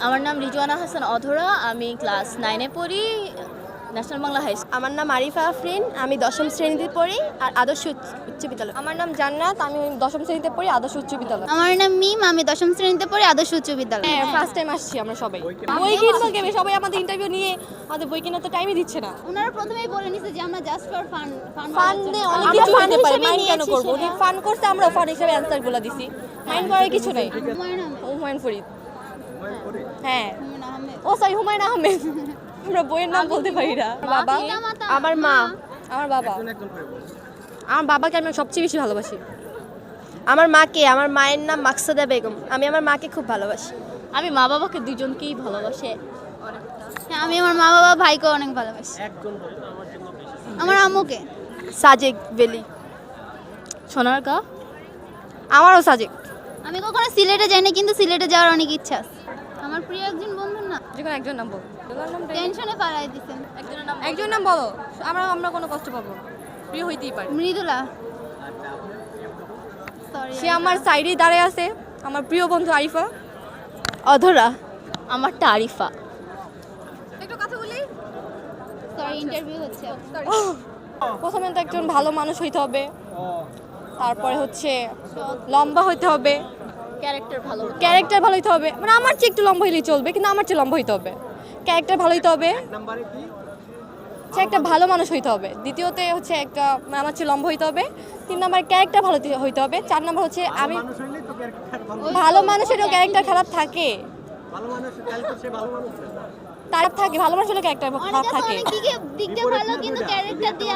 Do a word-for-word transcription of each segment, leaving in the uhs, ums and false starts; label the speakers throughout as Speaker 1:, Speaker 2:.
Speaker 1: আমার নাম রিজওয়ানা হাসান অধরা, আমি ক্লাস নাইনে পড়ি, ন্যাশনাল বাংলা হাই স্কুল।
Speaker 2: আমার নাম আরিফা আফরিন, আমি দশম শ্রেণীতে পড়ি আর আদর্শ উচ্চ বিদ্যালয়।
Speaker 3: আমার নাম জান্নাত, আমি দশম শ্রেণীতে পড়ি আদর্শ উচ্চ বিদ্যালয়।
Speaker 4: আমার নাম মিম, আমি দশম শ্রেণীতে পড়ি আদর্শ উচ্চ বিদ্যালয়।
Speaker 3: হ্যাঁ, ফার্স্ট টাইম আসছি আমরা সবাই। বই কিনবো কেবে, সবাই আমাদের ইন্টারভিউ নিয়ে আমাদের বই কেনার তো টাইমই দিচ্ছে না।
Speaker 4: ওনারা প্রথমেই বলে নিছে যে আমরা জাস্ট ফর ফান
Speaker 3: ফান নিয়ে অনেক কিছু হতে পারে, মাইন্ড কেন করব? উনি ফান করতে, আমরা ফান হিসেবে অ্যানসারগুলো দিছি, মাইন্ড করার কিছু নাই। হুমায়ুন ফরিদ, হ্যাঁ, ও সরি হুমায়ুন আহমেদ। আমরা বইয়ের নাম বলতে পারি না। বাবা,
Speaker 2: আমার মা,
Speaker 3: আমার বাবা, আমার বাবাকে আমি সবচেয়ে বেশি ভালোবাসি।
Speaker 2: আমার মাকে, আমার মায়ের নাম মাকসুদা বেগম, আমি আমার মাকে খুব ভালোবাসি।
Speaker 1: আমি মা বাবাকে দুজনকেই ভালোবাসি।
Speaker 4: হ্যাঁ, আমি আমার মা বাবা ভাইকে অনেক ভালোবাসি। আমার আম্মুকে
Speaker 2: সাজেক ভ্যালি।
Speaker 1: সোনারগাঁ,
Speaker 3: আমারও সাজেক।
Speaker 4: আমি কখনো সিলেটে যাইনি, কিন্তু সিলেটে যাওয়ার অনেক ইচ্ছা আছে। আমার প্রিয় একজন বন্ধুর না,
Speaker 3: যেখানে একজন নাম বল,
Speaker 4: টেনশনে পালাই দিছেন।
Speaker 1: একজনের নাম
Speaker 3: একজন নাম বলো, আমরা আমরা কোনো কষ্ট পাবো না, প্রিয় হইতেই পারে।
Speaker 4: মৃদুলা, সরি
Speaker 3: সে আমার সাইডেই দাঁড়িয়ে আছে, আমার প্রিয় বন্ধু আরিফা।
Speaker 2: অধরা,
Speaker 1: আমারটা আরিফা।
Speaker 3: একটু কথা বলি।
Speaker 4: সরি, ইন্টারভিউ হচ্ছে।
Speaker 3: প্রথমে তো একজন ভালো মানুষ হইতে হবে, তারপরে হচ্ছে লম্বা হইতে হবে,
Speaker 1: ক্যারেক্টার ভালো,
Speaker 3: ক্যারেক্টার ভালো হইতে হবে। মানে আমার চেয়ে একটু লম্বা হইলেই চলবে, কিন্তু আমার চেয়ে লম্বা হইতে হবে। ক্যারেক্টার ভালো হইতে হবে, সে একটা ভালো মানুষ হইতে হবে। দ্বিতীয়তে হচ্ছে একটা মানে আমার চেয়ে লম্বা হইতে হবে। তিন নম্বর ক্যারেক্টার ভালো হইতে হবে। চার নম্বর হচ্ছে আমি ভালো মানুষেরও ক্যারেক্টার খারাপ থাকে, তার থাকে ভালো মানুষেরও ক্যারেক্টার খারাপ থাকে।
Speaker 4: অনেক দিকে দিক দিয়ে ভালো, কিন্তু ক্যারেক্টার দিয়ে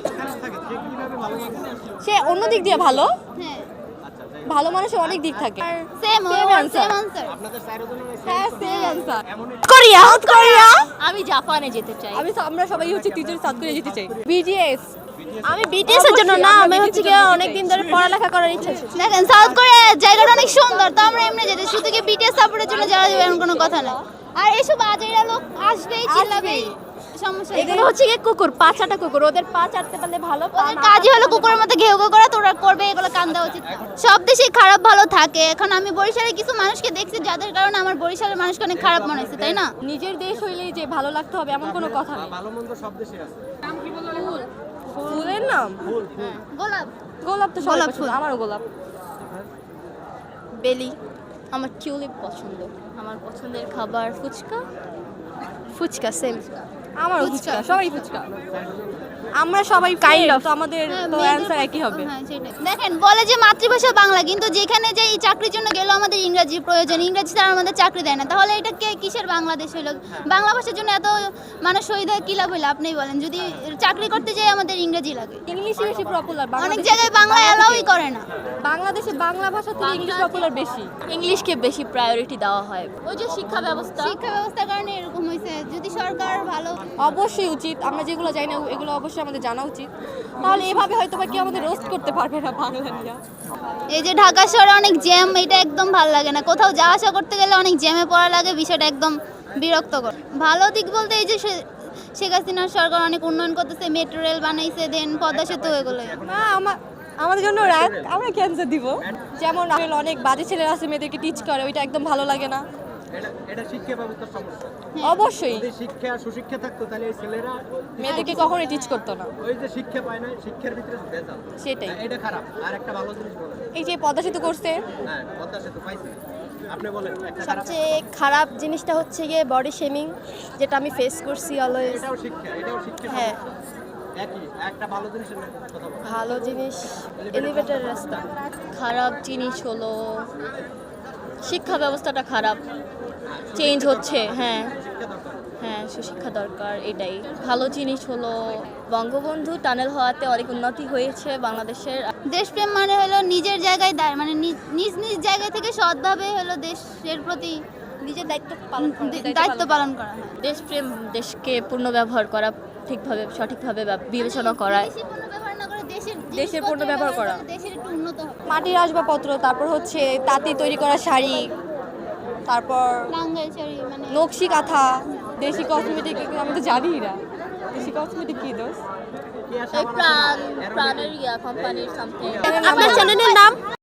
Speaker 3: সে অন্য দিক দিয়ে ভালো,
Speaker 4: হ্যাঁ
Speaker 3: ভালো মানুষের অনেক দিক থাকে।
Speaker 4: Same
Speaker 3: Same answer.
Speaker 4: Same answer.
Speaker 3: হ্যাঁ, same answer।
Speaker 2: Korea, Korea.
Speaker 1: আমি জাপানে যেতে চাই।
Speaker 3: আমি আমরা সবাই হচ্ছে টিচার সাথ করে যেতে চাই। বিজিএস,
Speaker 2: আমি বিটিএস এর জন্য না, আমি হচ্ছে কি অনেক দিন ধরে পড়ালেখা করার ইচ্ছা ছিল।
Speaker 4: দেখেন, সাউথ কোরিয়া জায়গাটা অনেক সুন্দর, তো আমরা এমনি যেতে, শুধু কি বিটিএস সাপোর্টের জন্য যাওয়া যাবে এমন কোনো কথা না। আর এসব আজেরা লোক আসবেই, চিল্লাবেই, সমস্যা নেই।
Speaker 2: এগুলো হচ্ছে কি কুকুর, পা চাটা কুকুর, ওদের পা চাটতে পারলে ভালো। পা
Speaker 4: ওদের কাজই হলো কুকুরের মতো ঘেউ ঘেউ করা, তোরা করবে, এগুলো কান দেওয়া উচিত না। সব দেশে খারাপ ভালো থাকে। এখন আমি বরিশালে কিছু মানুষকে দেখছি যাদের কারণে আমার বরিশালের মানুষকে অনেক খারাপ মনে হচ্ছে, তাই না?
Speaker 3: নিজের দেশ হইলেই যে ভালো লাগতে হবে এমন কোনো কথা নেই।
Speaker 5: ভালো মন্দ সব দেশে আছে।
Speaker 3: ফুল, ফুলের নাম
Speaker 4: গোলাপ,
Speaker 3: গোলাপ, তো সবাই
Speaker 4: গোলাপ
Speaker 3: পছন্দ,
Speaker 4: ফুল।
Speaker 3: আমারও গোলাপ।
Speaker 2: বেলি,
Speaker 1: আমার টিউলিপ পছন্দ। আমার পছন্দের খাবার ফুচকা।
Speaker 2: ফুচকা, সেম।
Speaker 3: আমারও ফুচকা, সবাই ফুচকা। আমরা সবাই কাইন্ড অফ, আমাদের তো অ্যানসার একই হবে।
Speaker 4: হ্যাঁ, সেটাই। দেখেন, বলে যে মাতৃভাষা বাংলা, কিন্তু যেখানে যে এই চাকরির জন্য গেল আমাদের ইংরেজি প্রয়োজন, ইংরেজি ছাড়া আমাদের চাকরি দেয় না। তাহলে এটা কে কিসের বাংলাদেশ হইল? বাংলা ভাষার জন্য এত মানুষ শহীদ হয়, কি লাভ হইলো? আপনিই বলেন, যদি চাকরি করতে যাই আমাদের ইংরেজি লাগে।
Speaker 3: ইংলিশই বেশি পপুলার।
Speaker 4: অনেক জায়গায় বাংলা অ্যালাউই করে না।
Speaker 3: বাংলাদেশে বাংলা ভাষা থেকে ইংলিশ পপুলার বেশি।
Speaker 1: ইংলিশকে বেশি প্রায়োরিটি দেওয়া হয়। ওই যে শিক্ষা ব্যবস্থা,
Speaker 4: শিক্ষা ব্যবস্থার কারণে এরকম হয়েছে। যদি সরকার ভালো,
Speaker 3: অবশ্যই উচিত, আমরা যেগুলো জানি না এগুলো অবশ্যই আমাদের জানা উচিত। তাহলে এভাবে হয়তো বা কেউ আমাদের রোস্ট করতে পারবে না বাংলা নিয়ে।
Speaker 4: এই যে ঢাকা শহরে অনেক জ্যাম, এটা একদম ভালো লাগে না। কোথাও যাওয়া আসা করতে গেলে অনেক জ্যামে পড়া লাগে, বিষয়টা একদম বিরক্তকর। ভালো দিক বলতে এই যে শে- শেখ হাসিনার সরকার অনেক উন্নয়ন করতেছে, মেট্রো রেল বানাইছে, দেন পদ্মা সেতু, এগুলো।
Speaker 3: না, আমার আমাদের জন্য রাগ, আমরা ক্যান্সার দিব। যেমন অনেক বাজে ছেলেরা আছে, মেয়েদেরকে টিচ করে, ওইটা একদম ভালো লাগে না।
Speaker 5: এটা এটা শিক্ষা ব্যবস্থার সমস্যা।
Speaker 3: অবশ্যই
Speaker 5: যদি শিক্ষা সুশিক্ষা থাকতো তাহলে এই ছেলেরা
Speaker 3: মেয়েদেরকে কখনোই টিচ করতো না,
Speaker 5: ওই যে শিক্ষা পায় না, শিক্ষার ভিতরে ভেজাল।
Speaker 3: সেটাই।
Speaker 5: এটা খারাপ। আর একটা ভালো জিনিস বলেন।
Speaker 3: এই যে পদ্মা সেতু করছে,
Speaker 5: হ্যাঁ, পদ্মা সেতু পাইছি। আপনি বলেন একটা খারাপ।
Speaker 2: সবচেয়ে খারাপ জিনিসটা হচ্ছে গিয়ে বডি শেমিং, যেটা আমি ফেস করছি অলওয়েজ।
Speaker 5: এটাও শিক্ষা, এটাও শিক্ষা।
Speaker 2: হ্যাঁ।
Speaker 5: একই একটা ভালো জিনিসের কথা বলেন।
Speaker 2: ভালো জিনিস এলিভেটর রাস্তা।
Speaker 1: খারাপ জিনিস হলো শিক্ষা ব্যবস্থাটা খারাপ, চেঞ্জ হচ্ছে। হ্যাঁ হ্যাঁ, সুশিক্ষা দরকার, এটাই। ভালো জিনিস হলো বঙ্গবন্ধু টানেল হওয়াতে অনেক উন্নতি হয়েছে বাংলাদেশের।
Speaker 4: দেশপ্রেম মানে হলো নিজের জায়গায় দাঁড়, মানে নি- নিজ নিজ জায়গা থেকে সৎভাবে হলো দেশের প্রতি
Speaker 3: নিজের দায়িত্ব পালন করে।
Speaker 4: দে- দায়িত্ব পালন করা।
Speaker 1: দেশপ্রেম, দেশকে পূর্ণ ব্যবহার করা, ঠিকভাবে সঠিকভাবে ব্যব- বিবেচনা করা।
Speaker 4: দেশি পণ্য ব্যবহার না করে দেশের
Speaker 3: দেশের পণ্য ব্যবহার করা।
Speaker 4: দেশের একটু উন্নত হবে।
Speaker 3: মাটির আসবাবপত্র, তারপর হচ্ছে তাঁতি তৈরি করা শাড়ি, তারপর
Speaker 4: টাঙ্গাইল শাড়ি, মানে
Speaker 3: নকশি কাঁথা, দেশি কসমেটিক, আমি তো জানি না দেশি কসমেটিক কি দোষ।
Speaker 5: কি আসা
Speaker 1: এই প্রাণ প্রাণের ইয়া কোম্পানির সামথিং।
Speaker 2: আপনার চ্যানেলের নাম?